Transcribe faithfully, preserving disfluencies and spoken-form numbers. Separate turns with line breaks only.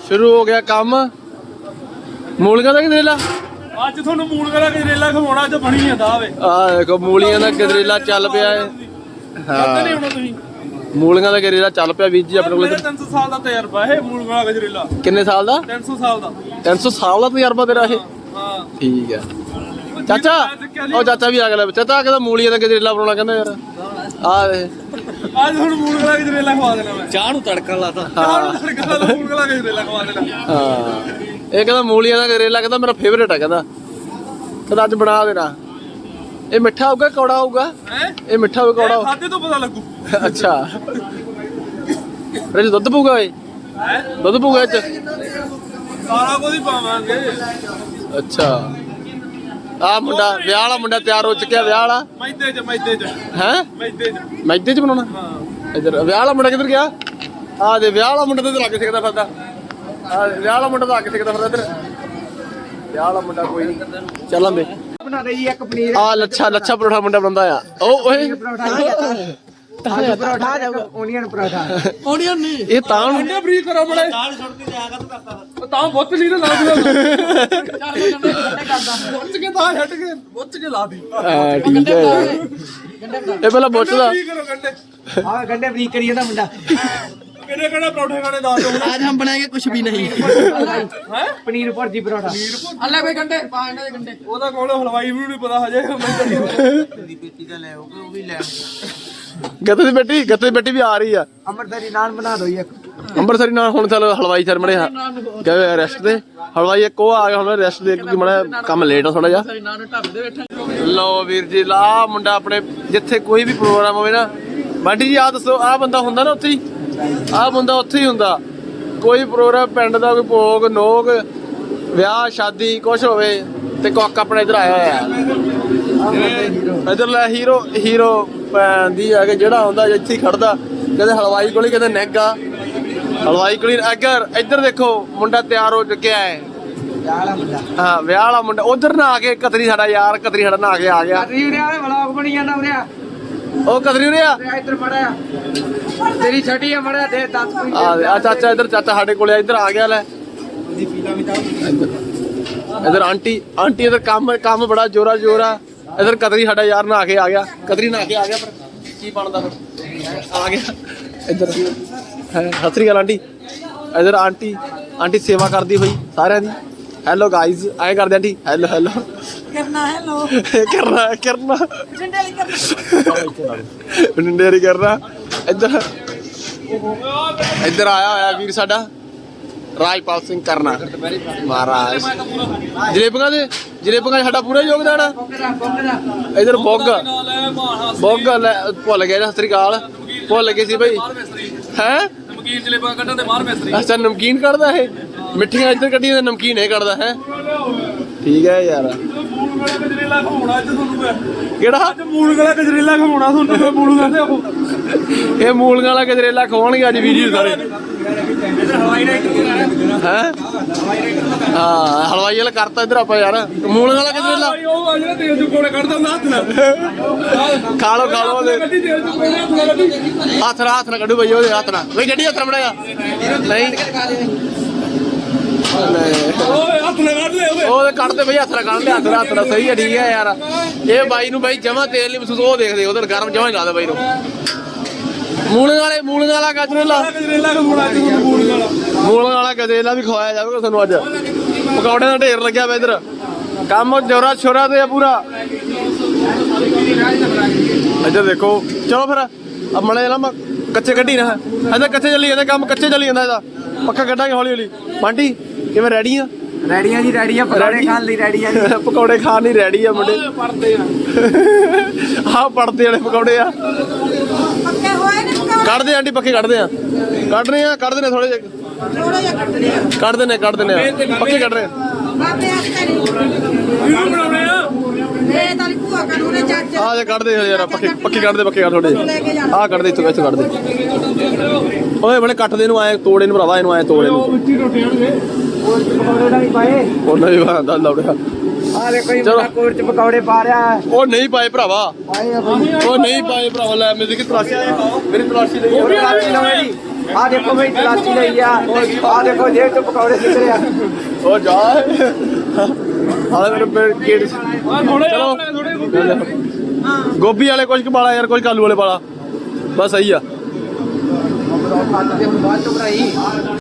शुरू हो गया काम मूलियां दा गजरेला
ਅੱਜ ਤੁਹਾਨੂੰ ਮੂਲੀਆਂ ਦਾ ਗਜਰੇਲਾ ਖਵਾਉਣਾ ਅੱਜ ਬਣੀ ਜਾਂਦਾ ਆਵੇ
आ देखो मूलियां दा गजरेला चल पिया है
ਖਾਂਦੇ ਨਹੀਂ ਹੁਣ ਤੁਸੀਂ
मूलियां दा गजरेला चल पिया वीर जी अपने
ਮੇਰੇ
कोल
ਤਿੰਨ ਸੌ ਸਾਲ ਦਾ ਤਜਰਬਾ ਇਹ ਮੂਲੀਆਂ ਦਾ ਗਜਰੇਲਾ
किन्ने साल दा
ਤਿੰਨ ਸੌ ਸਾਲ ਦਾ
तीन सौ साल दा तजर्बा तेरा ये
ਹਾਂ
ठीक है चाचा ओ चाचा भी आ गया चाचा कहता मूलियां दा गजरेला बनाना कहंदा यार आ दे
ਅੱਜ ਹੁਣ ਮੂਲੀਆਂ ਦਾ ਗਜਰੇਲਾ ਖਵਾ ਦੇਣਾ ਮੈਂ
ਚਾਹ ਨੂੰ ਤੜਕਾ ਲਾਤਾ
ਚਾਹ ਨੂੰ ਤੜਕਾ ਲਾ ਕੇ ਮੂਲੀਆਂ ਦਾ ਗਜਰੇਲਾ ਖਵਾ ਦੇਣਾ
ਹਾਂ ਇਹ ਕਹਿੰਦਾ ਮੂਲੀਆਂ ਦਾ ਗਜਰੇਲਾ ਕਹਿੰਦਾ ਮੇਰਾ ਫੇਵਰੇਟ ਹੈ ਕਹਿੰਦਾ ਕਹਿੰਦਾ ਅੱਜ ਬਣਾ ਦੇਣਾ ਇਹ ਮਿੱਠਾ ਹੋਊਗਾ ਕੌੜਾ ਹੋਊਗਾ
ਹੈ
ਇਹ ਮਿੱਠਾ ਹੋਊਗਾ ਕੌੜਾ
ਖਾਦੇ ਤੋਂ ਪਤਾ ਲੱਗੂ
ਅੱਛਾ ਰੇ ਦੁੱਧ ਪਊਗਾ ਏ
ਹੈ
ਦੁੱਧ ਪਊਗਾ ਇਹ ਚ
ਸਾਰਾ ਕੁਝ ਹੀ ਪਾਵਾਂਗੇ
ਅੱਛਾ ਆ ਮੁੰਡਾ ਵਿਆਹ ਵਾਲਾ ਮੁੰਡਾ ਤਿਆਰ ਹੋ ਚੁੱਕਿਆ ਵਿਆਹ ਵਾਲਾ
ਮੈਦੇ ਚ ਮੈਦੇ ਚ
ਹੈ
ਮੈਦੇ ਚ
ਮੈਦੇ ਚ ਬਣਾਉਣਾ
ਹਾਂ
ਇੱਧਰ ਵਿਆਹ ਵਾਲਾ ਮੁੰਡਾ ਕਿੱਧਰ ਗਿਆ ਆ ਦੇ ਵਿਆਹ ਵਾਲਾ ਮੁੰਡਾ ਤੇ ਲੱਗ ਸਿੱਖਦਾ ਫਿਰਦਾ ਆ ਵਿਆਹ ਵਾਲਾ ਮੁੰਡਾ ਤਾਂ ਲੱਗ ਸਿੱਖਦਾ ਫਿਰਦਾ ਇੱਧਰ ਵਿਆਹ ਵਾਲਾ ਮੁੰਡਾ ਕੋਈ ਨਹੀਂ ਚੱਲਾਂਗੇ
ਬਣਾ ਦੇ ਜੀ ਇੱਕ ਪਨੀਰ
ਆ ਲੱਛਾ ਲੱਛਾ ਪਰੌਠਾ ਮੁੰਡਾ ਬਣਦਾ ਆ ਉਹ ਓਏ
ਆਲੂ ਪਰੌਠਾ ਜਾਊਗਾ ਓਨੀਅਨ ਪਰੌਠਾ
ਓਨੀਅਨ ਨਹੀਂ ਇਹ ਤਾਂ
ਅੰਡੇ ਫ੍ਰੀ ਕਰੋ ਬੜੇ
ਦਾਲ ਛੁੱਟਦੀ ਜਾਗਾ ਤੂੰ ਕਰਤਾ
ਤਾਂ ਬੁੱਤ ਨਹੀਂ ਨਾ ਲਾ ਦਿਓ ਬੁੱਤ ਕੇ ਤਾਂ ਹਟ ਕੇ ਬੁੱਤ ਕੇ ਲਾ ਦੀ
ਆ ਠੀਕ ਹੈ ਇਹ ਪਹਿਲਾਂ ਪੁੱਛਦਾ
ਫ੍ਰੀ ਕਰੋ ਗੰਡੇ
ਆ ਗੰਡੇ ਫ੍ਰੀ ਕਰੀ ਜਾਂਦਾ ਮੁੰਡਾ
ਕਿਹੜੇ ਕਿਹੜੇ ਪਰੌਠੇ ਖਾਣੇ ਦੱਸ ਦਿਓ ਹੁਣ
आज हम बनाएंगे कुछ भी नहीं
ਹੈ
ਪਨੀਰ ਭੁਰਜੀ ਪਰੌਠਾ
ਅੱਲਾ ਕੋਈ ਗੰਡੇ ਪਾ ਇਹਨਾਂ ਦੇ ਗੰਡੇ ਉਹਦਾ ਕੋਲ ਹਲਵਾਈ ਨੂੰ ਨਹੀਂ ਪਤਾ ਹਜੇ
ਦੀ ਪੇਟੀ ਦਾ ਲੈ ਆਓਗੇ ਉਹ ਵੀ ਲੈ
ਗੱਤੇ ਦੀ ਬੇਟੀ ਗੱਤੇ ਦੀ ਬੇਟੀ ਵੀ ਆ ਰਹੀ ਆ
ਅੰਮ੍ਰਿਤਸਰੀ ਨਾਨ ਬਣਾ ਦੋ ਜੀ ਇੱਕ
ਅੰਮ੍ਰਿਤਸਰੀ ਨਾਲ ਹੁਣ ਚੱਲ ਹਲਵਾਈ ਸਰ ਮੜੇ ਗਏ ਰੈਸਟ ਤੇ ਹਲਵਾਈ ਇੱਕ ਉਹ ਆ ਗਿਆ ਹੁਣ ਰੈਸਟ ਦੇ ਕਿਉਂਕਿ ਮੜਾ ਕੰਮ ਲੇਟ ਆ ਥੋੜਾ ਜਿਹਾ ਲਓ ਵੀਰ ਜੀ ਲਾ ਮੁੰਡਾ ਆਪਣੇ ਜਿੱਥੇ ਕੋਈ ਵੀ ਪ੍ਰੋਗਰਾਮ ਹੋਵੇ ਨਾ ਬਾਂਟੀ ਜੀ ਆ ਦੱਸੋ ਆ ਬੰਦਾ ਹੁੰਦਾ ਨਾ ਉੱਥੇ ਹੀ ਆ ਬੰਦਾ ਉੱਥੇ ਹੀ ਹੁੰਦਾ ਕੋਈ ਪ੍ਰੋਗਰਾਮ ਪਿੰਡ ਦਾ ਕੋਈ ਭੋਗ ਨੋਗ ਵਿਆਹ ਸ਼ਾਦੀ ਕੁਛ ਹੋਵੇ ਤੇ ਕੋਕ ਆਪਣਾ ਇੱਧਰ ਆਇਆ ਹੋਇਆ ਇੱਧਰ ਲੈ ਹੀਰੋ ਹੀਰੋ ਦੀ ਆ ਕੇ ਜਿਹੜਾ ਹੁੰਦਾ ਇੱਥੇ ਹੀ ਖੜਦਾ ਕਹਿੰਦੇ ਹਲਵਾਈ ਕੋਲ ਹੀ ਕਹਿੰਦੇ ਨੈਗਾ ਹਲਵਾਈ ਕੋਲ ਇੱਧਰ ਇੱਧਰ ਦੇਖੋ ਮੁੰਡਾ ਤਿਆਰ ਹੋ ਚੁੱਕਿਆ ਹੈ
ਵਿਆਹ ਵਾਲਾ ਮੁੰਡਾ
ਹਾਂ ਵਿਆਹ ਵਾਲਾ ਮੁੰਡਾ ਉਧਰ ਨਾ ਆ ਕੇ ਕਤਰੀ ਸਾਡਾ ਯਾਰ ਕਤਰੀ ਸਾਡਾ ਨਾ ਆ ਕੇ ਆ ਗਿਆ
ਕਤਰੀ ਉਰਿਆ ਵਲੌਗ ਬਣੀ ਜਾਂਦਾ ਉਰਿਆ
ਉਹ ਕਤਰੀ ਉਰਿਆ
ਇੱਧਰ ਮੜਿਆ ਤੇਰੀ ਛਟੀ ਆ ਮੜਿਆ ਦੇ ਦਸ ਕੋਈ
ਆ ਆ ਚਾਚਾ ਇੱਧਰ ਚਾਚਾ ਸਾਡੇ ਕੋਲੇ ਇੱਧਰ ਆ ਗਿਆ ਲੈ
ਦੀ ਪੀਲਾ ਵੀ ਤਾਂ
ਇੱਧਰ ਆਂਟੀ ਆਂਟੀ ਇੱਧਰ ਕੰਮ ਕੰਮ ਬੜਾ ਜੋਰਾ ਜੋਰਾ ਇੱਧਰ ਕਤਰੀ ਸਾਡਾ ਯਾਰ ਨਾ ਆ ਕੇ ਆ ਗਿਆ ਕਤਰੀ ਨਾ ਆ ਕੇ ਆ ਗਿਆ ਪਰ ਕੀ ਬਣਦਾ ਫਿਰ ਆ ਗਿਆ ਇੱਧਰ ਹੈ ਸਤਿ ਸ੍ਰੀ ਅਕਾਲ ਆਂਟੀ ਇੱਧਰ ਆਂਟੀ ਆਂਟੀ ਸੇਵਾ ਕਰਦੀ ਹੋਈ ਸਾਰਿਆਂ ਦੀ ਹੈਲੋ ਗਾਇਜ਼ ਆਏ ਕਰਦੇ ਆਂਟੀ ਹੈਲੋ ਹੈਲੋ
ਕਰਨਾ ਹੈਲੋ
ਕਰਨਾ ਕਰਨਾ
ਡੰਡੇਲੀ ਕਰਨਾ
ਡੰਡੇਰੀ ਕਰਨਾ ਇੱਧਰ ਇੱਧਰ ਆਇਆ ਹੋਇਆ ਵੀਰ ਸਾਡਾ ਰਾਜਪਾਲ ਸਿੰਘ ਕਰਨਾ ਮਹਾਰਾਜ ਜਲੇਬੀਆਂ ਦੇ ਜਲੇਬੀਆਂ ਸਾਡਾ ਪੂਰਾ ਯੋਗਦਾਨ ਆ ਇੱਧਰ ਬੁੱਗ ਬੁੱਗ ਭੁੱਲ ਗਿਆ ਸਤਿ ਸ੍ਰੀ ਅਕਾਲ ਭੁੱਲ ਗਏ ਸੀ ਭਾਈ ਹੈ
ਨਮਕੀਨ ਜਲੇਬਾ ਕੱਢਣ ਦੇ ਮਾਰ ਮੈਸਰੀ
ਅੱਛਾ ਨਮਕੀਨ ਕੱਢਦਾ ਇਹ ਮਿੱਠੀਆਂ ਇੱਧਰ ਕੱਢੀਆਂ ਤੇ ਨਮਕੀਨ ਇਹ ਕੱਢਦਾ ਹੈ ਠੀਕ ਹੈ ਯਾਰ
ਮੂਲੀਆਂ ਦਾ ਗਜਰੇਲਾ ਖਵਾਉਣਾ ਅੱਜ ਤੁਹਾਨੂੰ ਮੈਂ
ਕਿਹੜਾ
ਅੱਜ ਮੂਲੀਆਂ ਦਾ ਗਜਰੇਲਾ ਖਵਾਉਣਾ ਤੁਹਾਨੂੰ ਮੈਂ ਮੂਲੀਆਂ ਦੇ ਉਹ
ਇਹ ਮੂਲੀਆਂ ਵਾਲਾ ਗਜਰੇਲਾ ਖਵਾਉਣਗੇ ਅੱਜ ਵੀਡੀਓ ਸਾਰੇ
ਹਵਾਈ ਰਾਈਟ
ਹੈ ਹਾਂ ਹਲਵਾਈ ਵਾਲਾ ਕਰਤਾ ਇੱਧਰ ਆਪਾਂ ਯਾਰ ਮੂਲੀਆਂ ਵਾਲਾ ਗਜਰੇਲਾ
ਭਾਈ ਉਹ ਆ ਜਿਹੜਾ ਤੇਲ ਚੋਂ ਕੋਲੇ ਕੱਢਦਾ ਹੁੰਦਾ ਹੱਥ ਨਾਲ
ਖਾ ਲਓ ਖਾ ਲਓ ਉਹਦੇ
ਗੱਡੀ ਤੇਲ ਚੋਂ ਕੋਲੇ ਹੱਥ ਨਾਲ ਗੱਡੀ
ਹੱਥ ਨਾਲ ਹੱਥ ਨਾਲ ਕੱਢੂ ਬਈ ਉਹਦੇ ਹੱਥ ਨਾਲ ਬਈ ਗੱਡੀ ਹੱਥ ਨਾਲ ਬਣਾਇਆ ਨਹੀਂ
ਓਏ ਹੱਥ ਨਾਲ ਕੱਢ ਲੈ ਓਏ
ਉਹ ਕੱਢਦੇ ਬਈ ਹੱਥ ਨਾਲ ਕੱਢ ਲਿਆ ਹੱਥ ਨਾਲ ਹੱਥ ਨਾਲ ਸਹੀ ਹੈ ਠੀਕ ਹੈ ਯਾਰ ਇਹ ਬਾਈ ਨੂੰ ਬਾਈ ਜਮਾ ਤੇਲ ਨਹੀਂ ਮਹਿਸੂਸ ਉਹ ਦੇਖਦੇ ਉਧਰ ਗਰਮ ਜਮਾ ਹੀ ਲਾਦੇ ਬਾਈ ਨੂੰ ਮੂਲੀਆਂ ਵਾਲੇ ਮੂਲੀਆਂ ਵਾਲਾ ਗਜਰੇਲਾ
ਗਜਰੇਲਾ ਖਵਾਉਣਾ ਅੱਜ ਤੁਹਾਨੂੰ ਮੂਲੀਆਂ ਵਾਲਾ
ਮੂਲੀਆਂ ਵਾਲਾ ਗਜਰੇਲਾ ਵੀ ਖਵਾਇਆ ਜਾਵੇਗਾ ਤੁਹਾਨੂੰ ਅੱਜ ਪਕੌੜੇ ਦਾ ਢੇਰ ਲੱਗਿਆ ਵਾ ਇੱਧਰ ਕੰਮ ਜੋਰਾ ਛੋਰਾ ਤੇ ਆ ਪੂਰਾ ਇੱਧਰ ਦੇਖੋ ਚਲੋ ਫਿਰ ਆ ਮਲੇ ਨਾ ਕੱਚੇ ਕੱਢੀ ਨਾ ਇਹਦਾ ਕੱਚੇ ਚੱਲੀ ਜਾਂਦਾ ਕੰਮ ਕੱਚੇ ਚੱਲੀ ਜਾਂਦਾ ਇਹਦਾ ਪੱਕਾ ਕੱਢਾਂਗੇ ਹੌਲੀ ਹੌਲੀ ਬਾਂਟੀ ਕਿਵੇਂ ਰੈਡੀ ਆ
ਰੈਡੀ ਆ ਜੀ ਰੈਡੀ ਆ ਪਕੌੜੇ ਖਾਣ ਲਈ ਰੈਡੀ ਆ ਜੀ
ਪਕੌੜੇ ਖਾਣ ਲਈ ਰੈਡੀ ਆ ਮੁੰਡੇ
ਪੜਦੇ ਆ
ਆਹ ਪੜਦੇ ਵਾਲੇ ਪਕੌੜੇ ਆ
ਪੱਕੇ ਹੋਏ ਨੇ ਪਕਾ
ਕੱਢਦੇ ਆਂਟੀ ਪੱਕੇ ਕੱਢਦੇ ਆ ਕੱਢ ਰਹੇ ਆ ਕੱਢਦੇ ਨੇ ਥੋੜੇ ਜਿਹੇ
ਥੋੜਾ ਜਿਹਾ ਕੱਢਣੇ ਆ
ਕੱਢਦੇ ਨੇ ਕੱਢਦੇ ਨੇ ਪੱਕੇ ਕੱਢ ਰਹੇ ਆ
ਬਾਬੇ ਆਸਤੇ ਨਹੀਂ
ਵੀਡੀਓ ਬਣਾਉਣੇ ਆ
ਇਹ ਤਾਂ ਭੂਆ ਕਾਨੂੰਨੇ ਚਾਚੇ
ਆਹ ਜੇ ਕੱਢਦੇ ਯਾਰ ਪੱਕੇ ਪੱਕੇ ਕੱਢਦੇ ਪੱਕੇ ਕੱਢ ਥੋੜੇ ਆਹ ਕੱਢਦੇ ਇੱਥੋਂ ਇੱਥੋਂ ਕੱਢਦੇ ਓਏ ਬਣੇ ਕੱਟਦੇ ਨੂੰ ਆਏ ਤੋੜੇ ਨੂੰ ਭਰਾਵਾ ਇਹਨੂੰ ਆਏ ਤੋੜੇ ਨੂੰ
ਮਿੱਟੀ ਰੋਟੀ ਆਣਗੇ
ਪਕੌੜੇ ਦਾ ਵੀ ਪਾਏ
ਉਹਨਾਂ ਵੀ ਬਾਂਦਾ ਲੌੜਿਆ
ਆ ਦੇਖੋ ਜੀ ਮੁੰਡਾ ਕੋਟ ਚ ਪਕੌੜੇ ਪਾ ਰਿਹਾ
ਉਹ ਨਹੀਂ ਪਾਏ ਭਰਾਵਾ
ਪਾਏ ਆ ਬਈ
ਉਹ ਨਹੀਂ ਪਾਏ ਭਰਾਵਾ ਲੈ ਮੇਰੀ ਕਿ ਤਲਾਸ਼ੀ ਮੇਰੀ ਤਲਾਸ਼ੀ ਲਈ
ਤਲਾਸ਼ੀ ਲਓ ਜੀ ਆ ਦੇਖੋ ਬਈ ਤਲਾਸ਼ੀ ਲਈ ਆ ਆ ਦੇਖੋ ਜੇਬ ਤੋਂ ਪਕੌੜੇ ਨਿਕਲੇ ਆ
ਉਹ ਜਾ ਹਾਲੇ ਮੇਰੇ ਪੇਟ ਗੇਟ ਚਲੋ ਗੋਭੀ ਵਾਲੇ ਕੁਝ ਪਾਲਾ ਯਾਰ ਕੁਝ ਆਲੂ ਵਾਲੇ ਪਾਲਾ ਬਸ ਸਹੀ ਆ
ਬਾਅਦ ਚੋਂ ਭਰਾਈ